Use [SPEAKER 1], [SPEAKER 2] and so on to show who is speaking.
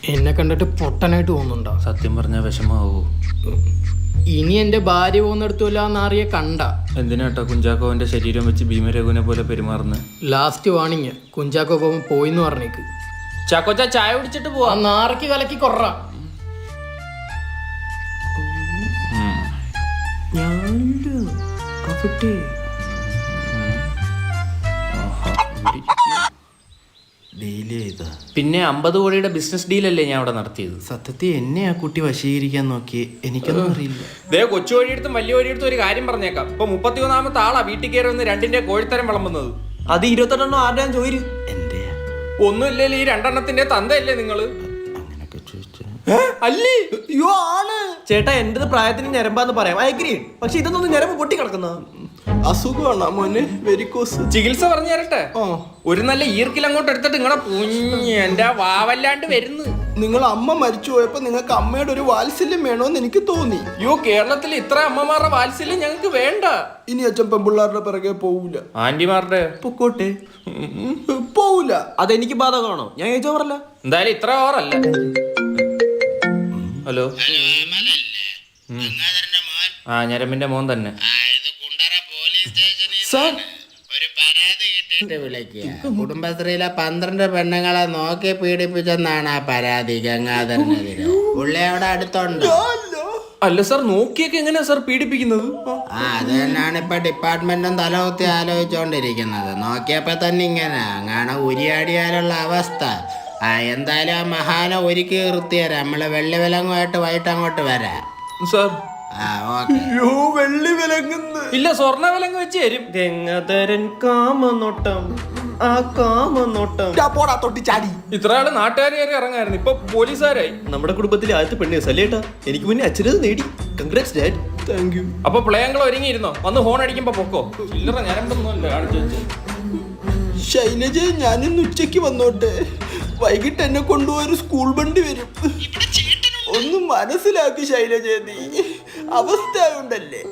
[SPEAKER 1] എന്നെ കണ്ടിട്ട് പൊട്ടനായിട്ട് തോന്നുന്നുണ്ടോ?
[SPEAKER 2] സത്യം പറഞ്ഞ വിഷമാവോ?
[SPEAKER 1] ഇനി എന്റെ ഭാര്യ പോകുന്നിടത്തുമില്ല എന്നാറിയ കണ്ട.
[SPEAKER 2] എന്തിനാട്ടോ കുഞ്ചാക്കോവന്റെ ശരീരം വെച്ച് ഭീമരഘുവിനെ പോലെ പെരുമാറുന്നത്?
[SPEAKER 1] ലാസ്റ്റ് വാണിങ്, കുഞ്ചാക്കോ പോകുമ്പോൾ പോയിന്ന് പറഞ്ഞേക്ക്.
[SPEAKER 2] ചാക്കോച്ച ചായ കുടിച്ചിട്ട് പോവാ.
[SPEAKER 1] നാറയ്ക്ക് കലക്കി കൊറ. പിന്നെ 50 കോടിയുടെ ബിസിനസ് ഡീലല്ലേ ഞാൻ അവിടെ നടത്തിയത്?
[SPEAKER 3] സത്യത്തിൽ എന്നെ ആ കുട്ടി വശീകരിക്കാൻ നോക്കി, എനിക്കൊന്നും അറിയില്ല.
[SPEAKER 2] ദേ കൊച്ചു വഴിയെടുത്തും വലിയ വഴിയെടുത്തും ഒരു കാര്യം പറഞ്ഞേക്കാം. ഇപ്പൊ 31ാമത്തെ ആളാ വീട്ടിൽ കയറി വന്ന് 2ന്റെ കോഴിത്തരം വിളമ്പുന്നത്.
[SPEAKER 3] അത് 28 ആരുടെയാ ചോദിച്ചു? എന്റെ
[SPEAKER 2] ഒന്നുമില്ലല്ലോ, ഈ 2 തന്തയല്ലേ നിങ്ങള്?
[SPEAKER 3] അങ്ങനൊക്കെ ചോദിച്ചു
[SPEAKER 2] അല്ലേ?
[SPEAKER 3] അയ്യോ ആണ് ചേട്ടാ, എന്റേത് പ്രായത്തിന് ഞരമ്പാന്ന് പറയാം, അയഗ്രി. പക്ഷെ ഇതൊന്നും ഞരമ്പ് പൊട്ടി കിടക്കുന്ന അസുഖമാണ് മോനെ, വെരിക്കോസ്.
[SPEAKER 2] ചികിത്സ പറഞ്ഞു തരട്ടെ? ഒരു നല്ല ഈർക്കിൽ അങ്ങോട്ട് എടുത്തിട്ട് നിങ്ങളെ എന്റെ വാവല്ലാണ്ട് വരുന്നു.
[SPEAKER 3] നിങ്ങൾ അമ്മ മരിച്ചു പോയപ്പോ നിങ്ങൾക്ക് അമ്മയുടെ ഒരു വാത്സല്യം വേണോന്ന് എനിക്ക് തോന്നി.
[SPEAKER 2] അയ്യോ, കേരളത്തിൽ ഇത്ര അമ്മമാരുടെ വാത്സല്യം ഞങ്ങൾക്ക് വേണ്ട.
[SPEAKER 3] ഇനി അച്ഛൻ പെമ്പിള്ളാരുടെ പിറകെ പോവൂല.
[SPEAKER 2] ആന്റിമാരുടെ
[SPEAKER 3] പൊക്കോട്ടെ, പോവൂല. അതെനിക്ക് ബാധകമാണോ? ഞാൻ ചോദിച്ചോ പറല്ല.
[SPEAKER 2] എന്തായാലും ഇത്ര ഓറല്ല. ഹലോ, ആ ഞരമ്പിന്റെ മോൻ തന്നെ.
[SPEAKER 4] കുടുംബശ്രീയിലെ 12 പെണ്ണുങ്ങളെ നോക്കി പീഡിപ്പിച്ചെന്നാണ് ആ പരാതി ഗംഗാധരനെതിരെ. പുള്ളി അവിടെ അടുത്തുണ്ട്.
[SPEAKER 2] അല്ല സാർ, നോക്കിയൊക്കെ എങ്ങനെയാ സാർ പീഡിപ്പിക്കുന്നത്?
[SPEAKER 4] അത് തന്നെയാണ് ഇപ്പൊ ഡിപ്പാർട്ട്മെന്റും തലകുത്തി ആലോചിച്ചോണ്ടിരിക്കുന്നത്. നോക്കിയപ്പോ തന്നെ ഇങ്ങനെ അങ്ങനെ ഉരിയാടിയാലുള്ള അവസ്ഥ. എന്തായാലും ആ മഹാനെ ഒരുക്കി നിർത്തിയരാ. നമ്മള് വെള്ളി വിലങ്ങുമായിട്ട് വൈകിട്ട് അങ്ങോട്ട് വരാം
[SPEAKER 2] സാർ.
[SPEAKER 3] വെള്ളി വിലങ്ങുന്നു
[SPEAKER 2] ഇല്ല, സ്വർണ്ണ വിലങ്ങ് വെച്ച് തരും.
[SPEAKER 3] ഗംഗാധരൻ കാമനോട്ടം, ആ കാമനോട്ടം. പോടാ തൊട്ടി ചാടി.
[SPEAKER 2] ഇത്ര ആള് നാട്ടുകാർ കയറി ഇറങ്ങായിരുന്നു, ഇപ്പൊ പോലീസുകാരായി.
[SPEAKER 3] നമ്മുടെ കുടുംബത്തിലെ ആദ്യത്തെ പെണ്ണ് സല്ലേട്ടാ. എനിക്ക് മുന്നേ അച്ഛനത് നേടി. Congrats dad. Thank you.
[SPEAKER 2] അപ്പൊ പ്ലേയങ്ങൾ ഒരുങ്ങിയിരുന്നോ? വന്ന് ഹോൺ അടിക്കുമ്പോ പൊക്കോ. ചില്ലറ ഞരമ്പൊന്നുമല്ല കാണിച്ചു വെച്ച്.
[SPEAKER 3] ശൈലജ, ഞാനിന്ന് ഉച്ചയ്ക്ക് വന്നോട്ടെ? വൈകിട്ട് എന്നെ കൊണ്ടുപോയൊരു സ്കൂൾ വണ്ടി വരും. ഒന്ന് മനസ്സിലാക്കി ശൈലജ, നീ അവസ്ഥ ഉണ്ടല്ലേ.